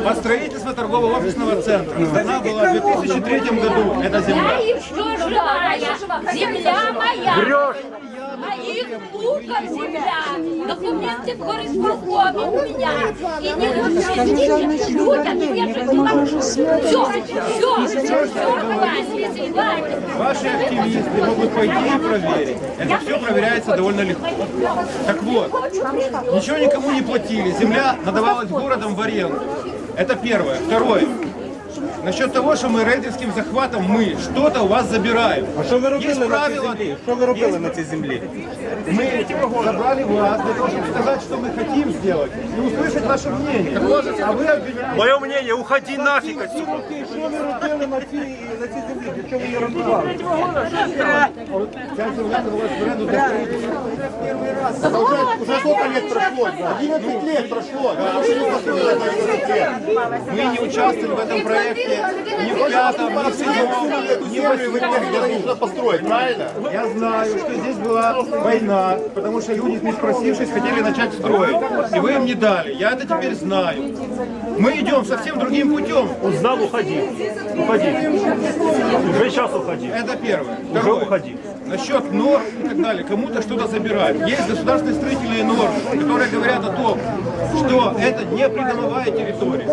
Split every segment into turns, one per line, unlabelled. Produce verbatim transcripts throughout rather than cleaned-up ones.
По строительству торгового офисного центра. Она была в две тысячи третьем году, эта земля.
Я еще живая, земля моя. Моих внуков земля. Документы в горисполкоме у меня. И не нужны людям, я же была. Все, все, все, хватит, хватит.
Ваши активисты могут пойти и проверить. Это все проверяется довольно легко. Так вот, ничего никому не платили. Земля надавалась городом в аренду. Это первое. Второе. Насчет того, що ми рейдерським захватом ми щось у вас забираємо.
А що ви робили
Є
на цій
правила,
землі? Що ви робили на цій землі?
мы забрали вас для того, чтобы сказать, что мы хотим сделать, и услышать ваше мнение. А вы обвиняете...
Мое мнение, уходи нафиг отсюда.
Що ви робили на цій, на цій землі? Для чого ви її розбивали?
Вся земля была в аренду для строительства. Первый раз.
Уже сколько лет прошло? одиннадцать лет прошло. Да, уже не построили это одиннадцать.
Мы не участвовали в этом проекте ни в пятом, ни в седьмом,
Эту
ни
землю
в
вы не нужно построить, правильно?
Я знаю, что здесь была война, потому что люди, не спросившись, хотели начать строить. И вы им не дали. Я это теперь знаю. Мы идем совсем другим путем.
Узнал, уходи. Уходи. Уже сейчас уходи.
Это первое.
Уже
Второе.
уходи.
Насчет норм и так далее. Кому-то что-то забирают. Есть государственные строительные нормы, которые говорят о том, что это не придомовая территория.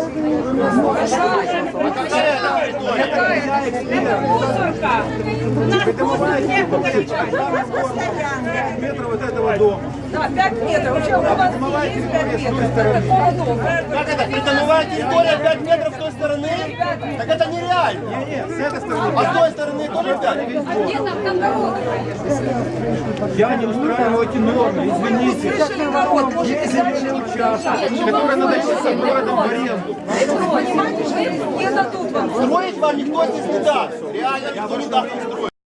Мусорка.
Придомовая территория. Метров вот этого дома.
Да, пять метров. Вообще, у вас
Придомовая
есть
территория
пять
с той
метров.
стороны.
Как это? Придомовая территория пять метров с той стороны? Так это нереально.
Не-не, с этой стороны.
А с той стороны тоже пять?
Где там там дорога?
Я не устраиваю эти нормы, извините. Есть земельный участок, который надо идти с городом в аренду.
Не дадут вам.
Строить вам никто здесь не даст. Реально никто не даст вам строить.